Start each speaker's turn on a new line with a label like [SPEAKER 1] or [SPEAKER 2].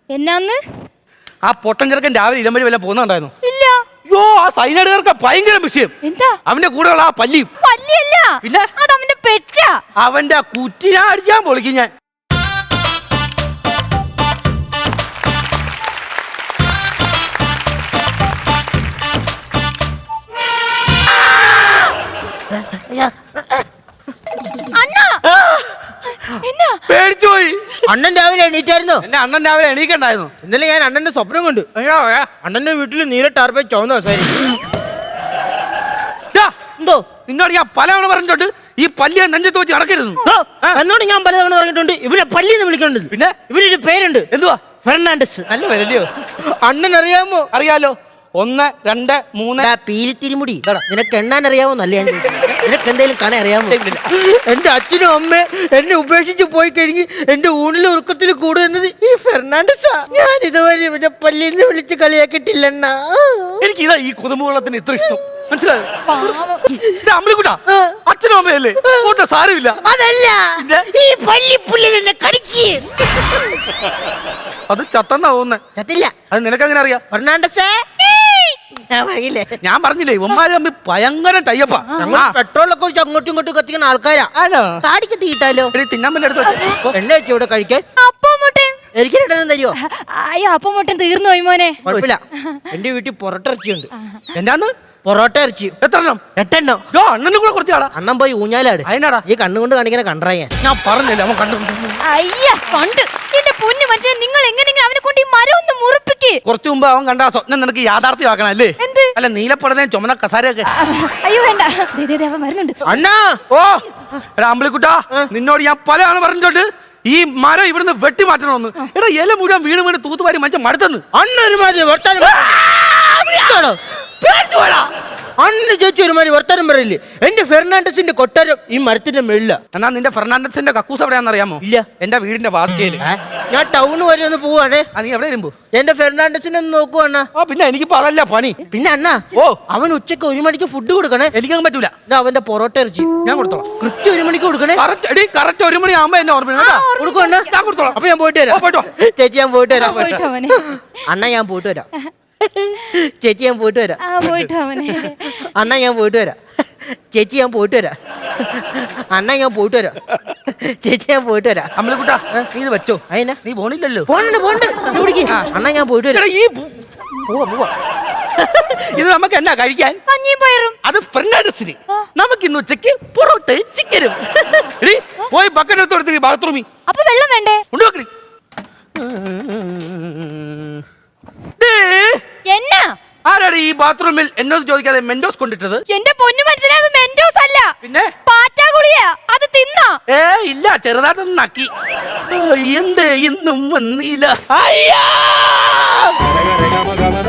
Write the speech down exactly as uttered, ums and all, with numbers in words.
[SPEAKER 1] എന്നാന്ന്?
[SPEAKER 2] ആ പൊട്ടൻ ചെറുക്കൻ രാവിലെ ഇടം വഴി വല്ല പോകുന്നുണ്ടായിരുന്നു.
[SPEAKER 1] ഇല്ല.
[SPEAKER 2] അയ്യോ, ആ സൈനൈഡുകാർക്ക് ഭയങ്കര വിഷയം.
[SPEAKER 1] എന്താ?
[SPEAKER 2] അവന്റെ കൂടെയുള്ള ആ പല്ലിയും.
[SPEAKER 1] പല്ലിയല്ല,
[SPEAKER 2] പിന്നെ
[SPEAKER 1] അത് അവന്റെ പെറ്റാ.
[SPEAKER 2] അവന്റെ ആ കുറ്റിനെ അടിക്കാൻ പൊളിക്കും ഞാൻ. പേടിച്ചുപോയി.
[SPEAKER 3] അണ്ണൻ രാവിലെ എണീറ്റായിരുന്നു.
[SPEAKER 2] എന്നെ അണ്ണൻ രാവിലെ എണീക്കണ്ടായിരുന്നു.
[SPEAKER 3] ഇന്നലെ ഞാൻ അണ്ണന്റെ സ്വപ്നം കണ്ടു. അണ്ണന്റെ വീട്ടിൽ നീല ടാർപ്പേ ചുവന്ന ദിവസമായിരുന്നു. എന്തോ
[SPEAKER 2] നിന്നോട് ഞാൻ പലവണ പറഞ്ഞിട്ടുണ്ട് ഈ പല്ലിയെ നെഞ്ചത്ത് വെച്ച് നടക്കരുത്.
[SPEAKER 3] എന്നോട് ഞാൻ പലതവണ പറഞ്ഞിട്ടുണ്ട് ഇവനെ പല്ലി എന്ന് വിളിക്കുന്നുണ്ട്.
[SPEAKER 2] പിന്നെ
[SPEAKER 3] ഇവനൊരു പേരുണ്ട്.
[SPEAKER 2] എന്തുവാ?
[SPEAKER 3] ഫെർണാണ്ടസ്.
[SPEAKER 2] നല്ല പേരല്ലയോ?
[SPEAKER 3] അണ്ണൻ അറിയാമോ?
[SPEAKER 2] അറിയാലോ. ഒന്ന് രണ്ട് മൂന്ന്.
[SPEAKER 3] പീലിത്തിരിമുടി നിനക്ക് എണ്ണാൻ അറിയാമോ? നല്ല ഞാൻ നിനക്ക് എന്തെങ്കിലും കാണാൻ അറിയാമോ? എന്റെ അച്ഛനും അമ്മ എന്നെ ഉപേക്ഷിച്ച് പോയി കഴിഞ്ഞ് എന്റെ ഊണിലും ഉറക്കത്തിൽ കൂടുന്നത് ഈ ഫെർണാണ്ടസാ. ഞാൻ ഇതുവരെ ഇവന്റെ പല്ലിന്ന് വിളിച്ച് കളിയാക്കിട്ടില്ലെണ്ണ.
[SPEAKER 2] എനിക്ക് ഇതാ ഈ കുടുംബവെള്ളത്തിന് ഇത്ര ഇഷ്ടം. മനസ്സിലായോ? അമ്മക്കൂട്ടാ അച്ഛനും അമ്മയല്ലേ? കൂട്ട സാരമില്ല.
[SPEAKER 3] അതല്ല, ഈ പല്ലിപ്പുല്ലിൽ എന്നെ കടിച്ച്.
[SPEAKER 2] അത് ചത്തന്നാ തോന്നുന്നേ.
[SPEAKER 3] ചത്തില്ല.
[SPEAKER 2] അത് നിനക്കങ്ങനെ അറിയാം?
[SPEAKER 3] ഫെർണാണ്ടസേ,
[SPEAKER 2] ഞാൻ പറഞ്ഞില്ലേ ഉമ്മാര് തമ്മിൽ ഭയങ്കര ടൈപ്പാ.
[SPEAKER 3] പെട്രോളൊക്കെ ഒഴിച്ച് അങ്ങോട്ടും ഇങ്ങോട്ടും കത്തിക്കുന്ന ആൾക്കാരാ. താടിക്ക് തീട്ടാലോ?
[SPEAKER 2] തിന്നാൻ പറ്റും എടുത്ത്
[SPEAKER 3] എണ്ണ വെച്ച് ഇവിടെ കഴിക്കാൻ.
[SPEAKER 1] അപ്പം മുട്ടൻ
[SPEAKER 3] എനിക്ക് രണ്ടെണ്ണം തരുമോ?
[SPEAKER 1] അയ്യോ, അപ്പം മുട്ടൻ തീർന്നു പോയി മോനെ.
[SPEAKER 3] കുഴപ്പമില്ല, എന്റെ വീട്ടിൽ പൊറോട്ട ഇറച്ചിയുണ്ട്.
[SPEAKER 2] എന്നാന്ന്?
[SPEAKER 3] പൊറോട്ട ഇറച്ചി.
[SPEAKER 2] എത്രണ്ണം?
[SPEAKER 3] എട്ടെണ്ണം.
[SPEAKER 2] അണ്ണനും കൂടെ കുറച്ചാടാ.
[SPEAKER 3] അണ്ണൻ പോയി ഊഞ്ഞാലാട്.
[SPEAKER 2] അതിനാടാ
[SPEAKER 3] ഈ കണ്ണുകൊണ്ട് കാണിക്കണ കണ്ടാ ഞാൻ
[SPEAKER 2] ഞാൻ പറഞ്ഞില്ല അവൻ കണ്ടു.
[SPEAKER 1] അയ്യ കണ്ട് എന്റെ പൊന്നു മനുഷ്യൻ, നിങ്ങൾ എങ്ങനെയെങ്കിലും അവനെ കൊണ്ട് ഈ മരം ഒന്ന് മുറിപ്പിക്ക്.
[SPEAKER 2] കുറച്ചു മുമ്പ് അവൻ കണ്ട സ്വപ്നം നിനക്ക് യാഥാർത്ഥ്യമാക്കണം അല്ലേ?
[SPEAKER 1] എന്ത്?
[SPEAKER 2] അല്ല നീലപ്പടനെ ചുമന്ന കസാരയൊക്കെ.
[SPEAKER 1] അയ്യോ വേണ്ട, അവൻ വരുന്നുണ്ട്.
[SPEAKER 3] അണ്ണാ.
[SPEAKER 2] ഓ അമ്പളിക്കുട്ടാ, നിന്നോട് ഞാൻ പലയാണ് പറഞ്ഞിട്ടുണ്ട് ഈ മരം ഇവിടുന്ന് വെട്ടി മാറ്റണമെന്ന്. എടാ ഇല മുഴുവൻ വീണ് വീണ് തൂത്തുവാരി മനുഷ്യൻ മടുത്തെന്ന്.
[SPEAKER 3] അണ്ണന് ചേച്ചി ഒരുമാതിരി വർത്താനം പറയില്ലേ? എന്റെ ഫെർണാണ്ടസിന്റെ കൊട്ടാരം ഈ മരത്തിന്റെ മേളില.
[SPEAKER 2] എന്നാ നിന്റെ ഫെർണാണ്ടസിന്റെ കക്കൂസ് എവിടെയാണെന്ന് അറിയാമോ?
[SPEAKER 3] ഇല്ല.
[SPEAKER 2] എന്റെ വീടിന്റെ വാതിക്കയില്.
[SPEAKER 3] ഞാൻ ടൗണ് വരെ ഒന്ന് പോവാണേ.
[SPEAKER 2] നീ എവിടെ വരുമ്പോ
[SPEAKER 3] എന്റെ ഫെർണാണ്ടസിനെ ഒന്ന് നോക്കുവാ അണ്ണാ.
[SPEAKER 2] ആ പിന്നെ എനിക്ക് പറയല്ല പണി.
[SPEAKER 3] പിന്നെ അണ്ണാ,
[SPEAKER 2] ഓ
[SPEAKER 3] അവൻ ഉച്ചക്ക് ഒരു മണിക്ക് ഫുഡ് കൊടുക്കണേ.
[SPEAKER 2] എനിക്കങ്ങ് പറ്റൂല.
[SPEAKER 3] അവന്റെ പൊറോട്ട ഇറച്ചി
[SPEAKER 2] ഞാൻ കൊടുത്തോളാം.
[SPEAKER 3] കൃത്യം ഒരു മണിക്ക് കൊടുക്കണേ.
[SPEAKER 2] കറക്റ്റ് ഒരു മണി ആവുമ്പോ എന്നെ ഓർമ്മ
[SPEAKER 3] കൊടുക്കും. ഞാൻ കൊടുത്തോളാം. അപ്പൊ ഞാൻ പോയിട്ട് വരാം.
[SPEAKER 2] പോയിട്ടോ
[SPEAKER 3] ചേച്ചി, ഞാൻ പോയിട്ട് വരാം. അണ്ണ ഞാൻ പോയിട്ട് വരാം. ചേച്ചി ഞാൻ പോയിട്ട് വരാം. അണ്ണ ഞാൻ പോയിട്ട് വരാം. ചേച്ചി ഞാൻ പോയിട്ട് വരാം. അണ്ണ ഞാൻ പോയിട്ട് വരാം. ചേച്ചി ഞാൻ പോയിട്ട് വരാം.
[SPEAKER 2] അമ്മലക്കുട്ടാ നീ ഇത് വെച്ചോ.
[SPEAKER 3] അതിനാ
[SPEAKER 2] നീ പോണില്ലല്ലോ?
[SPEAKER 3] Pond pond. അണ്ണ ഞാൻ പോയിട്ട് വരാം.
[SPEAKER 2] ഈ
[SPEAKER 3] പോവാ പോവാ.
[SPEAKER 2] ഇത് നമുക്ക് എന്നാ കഴിക്കാൻ?
[SPEAKER 1] കഞ്ഞിയും പയറും.
[SPEAKER 2] അത് ഫ്രണ്ടാഡസിന്. നമുക്ക് ഇന്ന് ഉച്ചക്ക് പൊറോട്ടയും ചിക്കനും. പോയി ബക്കറ്റ് എടുത്ത് കൊടുത്ത് ബാത്റൂമിൽ.
[SPEAKER 1] അപ്പൊ വെള്ളം വേണ്ടേ?
[SPEAKER 2] കൊണ്ടുവെക്കണി.
[SPEAKER 1] എന്നാ
[SPEAKER 2] ആരാണ് ഈ ബാത്റൂമിൽ എന്നോട് ചോദിക്കാതെ മെൻഡോസ് കൊണ്ടിട്ടത്?
[SPEAKER 1] എന്റെ പൊന്നു മനുഷ്യനെ, അത് മെൻഡോസ് അല്ല,
[SPEAKER 2] പിന്നെ
[SPEAKER 1] പാറ്റാ ഗുളിയാ. അത് തിന്നാ?
[SPEAKER 2] ഏ ഇല്ല, ചെറുതായിട്ടൊന്ന് നക്കി. എന്തേ ഇന്നും വന്നില്ല. അയ്യാ